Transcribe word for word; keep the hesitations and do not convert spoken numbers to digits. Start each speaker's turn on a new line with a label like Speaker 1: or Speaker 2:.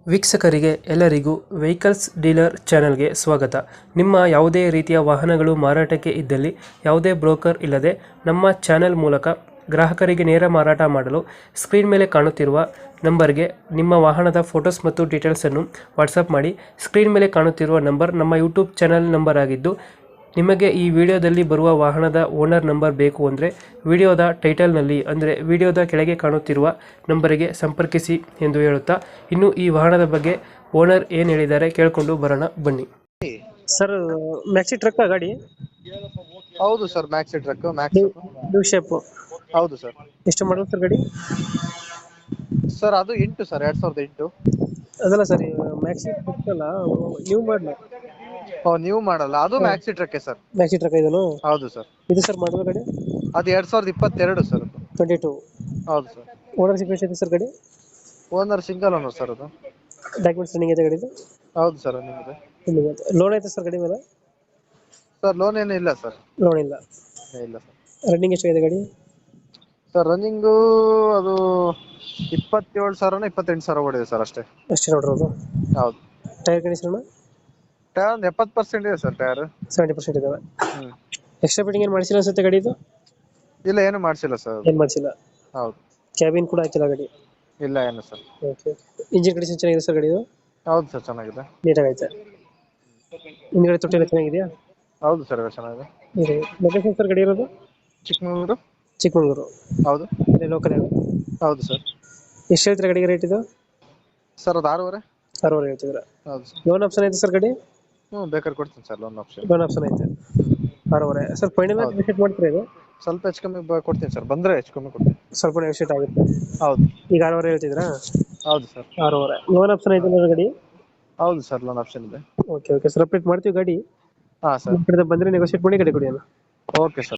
Speaker 1: ವೀಕ್ಷಕರಿಗೆ ಎಲ್ಲರಿಗೂ vehicles dealer ಚಾನೆಲ್ಗೆ ಸ್ವಾಗತ. ನಿಮ್ಮ ಯಾವುದೇ ರೀತಿಯ ವಾಹನಗಳು ಮಾರಾಟಕ್ಕೆ ಇದ್ದಲ್ಲಿ ಯಾವುದೇ ಬ್ರೋಕರ್ ಇಲ್ಲದೆ ನಮ್ಮ ಚಾನೆಲ್ ಮೂಲಕ ಗ್ರಾಹಕರಿಗೆ ನೇರ ಮಾರಾಟ ಮಾಡಲು ಸ್ಕ್ರೀನ್ ಮೇಲೆ ಕಾಣುತ್ತಿರುವ ನಂಬರ್ಗೆ ನಿಮ್ಮ ವಾಹನದ ಫೋಟೋಸ್ ಮತ್ತು ಡೀಟೇಲ್ಸನ್ನು ವಾಟ್ಸಪ್ ಮಾಡಿ. ಸ್ಕ್ರೀನ್ ಮೇಲೆ ಕಾಣುತ್ತಿರುವ ನಂಬರ್ ನಮ್ಮ ಯೂಟ್ಯೂಬ್ ಚಾನೆಲ್ ನಂಬರ್ ಆಗಿದ್ದು, ನಿಮಗೆ ಈ ವಿಡಿಯೋದಲ್ಲಿ ಬರುವ ವಾಹನದ ಓನರ್ ನಂಬರ್ ಬೇಕು ಅಂದರೆ ವಿಡಿಯೋದ ಟೈಟಲ್ನಲ್ಲಿ ಅಂದರೆ ವಿಡಿಯೋದ ಕೆಳಗೆ ಕಾಣುತ್ತಿರುವ ನಂಬರಿಗೆ ಸಂಪರ್ಕಿಸಿ ಎಂದು ಹೇಳುತ್ತಾ, ಇನ್ನು ಈ ವಾಹನದ ಬಗ್ಗೆ ಓನರ್ ಏನು ಹೇಳಿದ್ದಾರೆ ಕೇಳಿಕೊಂಡು ಬರೋಣ ಬನ್ನಿ. ಸರ್, ಮ್ಯಾಕ್ಸಿ ಟ್ರಕ್ ಗಾಡಿ?
Speaker 2: ಹೌದು sir, maxi truck max
Speaker 1: new shape.
Speaker 2: ಹೌದು ಸರ್.
Speaker 1: ಎಷ್ಟು ಮಾಡಲ್ ಸರ್ ಗಾಡಿ?
Speaker 2: ಸರ್ ಅದು ಎಂಟು ಸರ್, ಎರಡ್ ಸಾವಿರದ ಎಂಟು.
Speaker 1: ಅದಲ್ಲ ಸರ್, ಮ್ಯಾಕ್ಸಿ ಟ್ರಕ್ ಅಲ್ಲ, ನ್ಯೂ ಮಾಡಲ್.
Speaker 2: ಓ, ನೀವು ಮಾಡಲ್ಲ, ಅದು maxi truck sir.
Speaker 1: Maxi truck ಇದನ್ನು?
Speaker 2: ಹೌದು ಸರ್.
Speaker 1: ಇದು ಸರ್ ಮಾಡಲ್ ಗಾಡಿ?
Speaker 2: ಅದು ಎರಡ್ ಸಾವಿರದ ಇಪ್ಪತ್ತೆರಡು ಸರ್. ಅದು
Speaker 1: ಟ್ವೆಂಟಿ ಟೂ.
Speaker 2: ಹೌದು ಸರ್.
Speaker 1: ಓನರ್ಶಿಪ್ ಎಷ್ಟಿದೆ ಸರ್ ಗಾಡಿ?
Speaker 2: Owner single owner sir. ಅದು
Speaker 1: ಡಾಕ್ಯುಮೆಂಟ್ಸ್ ರನ್ನಿಂಗ್ ಇದೆ ಗಾಡಿದು?
Speaker 2: ಹೌದು ಸರ್, ನಿಮಗೆ.
Speaker 1: ಲೋನ್ ಐತೆ ಸರ್ ಗಾಡಿ ಮೇಲೆ?
Speaker 2: ಸರ್ ಲೋನ್ ಏನು ಇಲ್ಲ ಸರ್.
Speaker 1: ಲೋನ್ ಇಲ್ಲ.
Speaker 2: ಇಲ್ಲ ಸರ್.
Speaker 1: ರನ್ನಿಂಗ್ ಎಷ್ಟಾಗಿದೆ ಗಾಡಿ?
Speaker 2: ಸರ್ ರನ್ನಿಂಗು ಅದು ಇಪ್ಪತ್ತೇಳು ಸಾವಿರನ ಇಪ್ಪತ್ತೆಂಟು ಸಾವಿರ ಓಡಿದೆ ಸರ್, ಅಷ್ಟೇ.
Speaker 1: ಅಷ್ಟೇ ನೋಡಿರೋದು?
Speaker 2: ಹೌದು.
Speaker 1: ಟೈರ್ ಕಂಡೀಷನ್
Speaker 2: ಟೈರ್ ಒಂದು ಎಪ್ಪತ್ತು ಪರ್ಸೆಂಟ್ ಇದೆ ಸರ್. ಟೈರ್
Speaker 1: ಸೆವೆಂಟಿ ಪರ್ಸೆಂಟ್ ಇದಾವೆ.
Speaker 2: ಹ್ಮ್
Speaker 1: ಎಕ್ಸ್ಟ್ರಾ ಫಿಟ್ಟಿಂಗ್ ಏನು ಮಾಡಿಸಿಲ್ಲ ಅನ್ಸುತ್ತೆ ಗಾಡಿದು?
Speaker 2: ಇಲ್ಲ, ಏನು ಮಾಡಿಸಿಲ್ಲ ಸರ್.
Speaker 1: ಏನು ಮಾಡಿಸಿಲ್ಲ.
Speaker 2: ಹೌದು.
Speaker 1: ಕ್ಯಾಬಿನ್ ಕೂಡ ಹಾಕಿಲ್ಲ ಗಾಡಿ?
Speaker 2: ಇಲ್ಲ, ಏನು ಸರ್.
Speaker 1: ಓಕೆ. ಇಂಜಿನ್ ಕಂಡೀಷನ್ ಚೆನ್ನಾಗಿದೆ ಸರ್ ಗಾಡಿದು?
Speaker 2: ಹೌದು ಸರ್, ಚೆನ್ನಾಗಿದೆ.
Speaker 1: ನೀಟಾಗಿ ಐತೆ. ಹಿಂದ್ಗಡೆ ತೊಟ್ಟಿ ಎಲ್ಲ ಚೆನ್ನಾಗಿದೆಯಾ?
Speaker 2: ಹೌದು ಸರ್, ಚೆನ್ನಾಗಿದೆ.
Speaker 1: ಇದೆ. ಲೊಕೇಶನ್ ಸರ್ ಗಾಡಿ ಇರೋದು?
Speaker 2: ಚಿಕ್ಕಮಗಳೂರು.
Speaker 1: ಚಿಕ್ಕಮಗಳೂರು.
Speaker 2: ಹೌದು.
Speaker 1: ಅದೇ ಲೋಕಲ್ ಏನು?
Speaker 2: ಹೌದು ಸರ್.
Speaker 1: ಎಷ್ಟು ಹೇಳ್ತೀರಾ ಗಾಡಿಗೆ ರೇಟ್ ಇದು?
Speaker 2: ಸರ್ ಅದು ಆರೂವರೆ.
Speaker 1: ಅರವತ್ತು ಹೇಳ್ತಿದ್ರ?
Speaker 2: ಹೌದು ಸರ್.
Speaker 1: ಲೋನ್ ಆಪ್ಷನ್ ಐತೆ ಸರ್ ಗಾಡಿ?
Speaker 2: ಹ್ಞೂ, ಬೇಕಾದ್ರೆ ಕೊಡ್ತೀನಿ sir loan option.
Speaker 1: Loan option ಐತೆ. ಅರವರೆ ಸರ್. ಫೈನಲ್
Speaker 2: ಹೌದು.
Speaker 1: ವಿಸಿಟ್ ಮಾಡ್ತೀರಾ ಇದು?
Speaker 2: ಸ್ವಲ್ಪ ಹೆಚ್ಚು ಕಮ್ಮಿ ಬ- ಕೊಡ್ತೀನಿ ಸರ್, ಬಂದರೆ ಹೆಚ್ಚು ಕಮ್ಮಿ ಕೊಡ್ತೀನಿ.
Speaker 1: ಸ್ವಲ್ಪ ನೆಗೋಷಿಯೇಟ್ ಆಗುತ್ತೆ.
Speaker 2: ಹೌದು.
Speaker 1: ಈಗ ಅರವರೆ ಹೇಳ್ತಿದ್ರಾ?
Speaker 2: ಹೌದು ಸರ್.
Speaker 1: ಅರವರೆ. ಲೋನ್ ಆಪ್ಷನ್ ಐತೆ ನೋಡ್ರಿ ಗಾಡಿ?
Speaker 2: ಹೌದು ಸರ್, ಲೋನ್ ಆಪ್ಷನ್ ಇದೆ.
Speaker 1: ಓಕೆ ಓಕೆ ಸರ್, ಅಪ್ಡೇಟ್ ಮಾಡ್ತೀವಿ ಗಾಡಿ.
Speaker 2: ಹಾಂ ಸರ್.
Speaker 1: ನಿಮ್ಮ ಕಡೆ ಬಂದರೆ ನೆಗೋಷಿಯೇಟ್ ಮಾಡಿ ಗಾಡಿ ಕೊಡಿ ಅಣ್ಣ.
Speaker 2: Okay sir.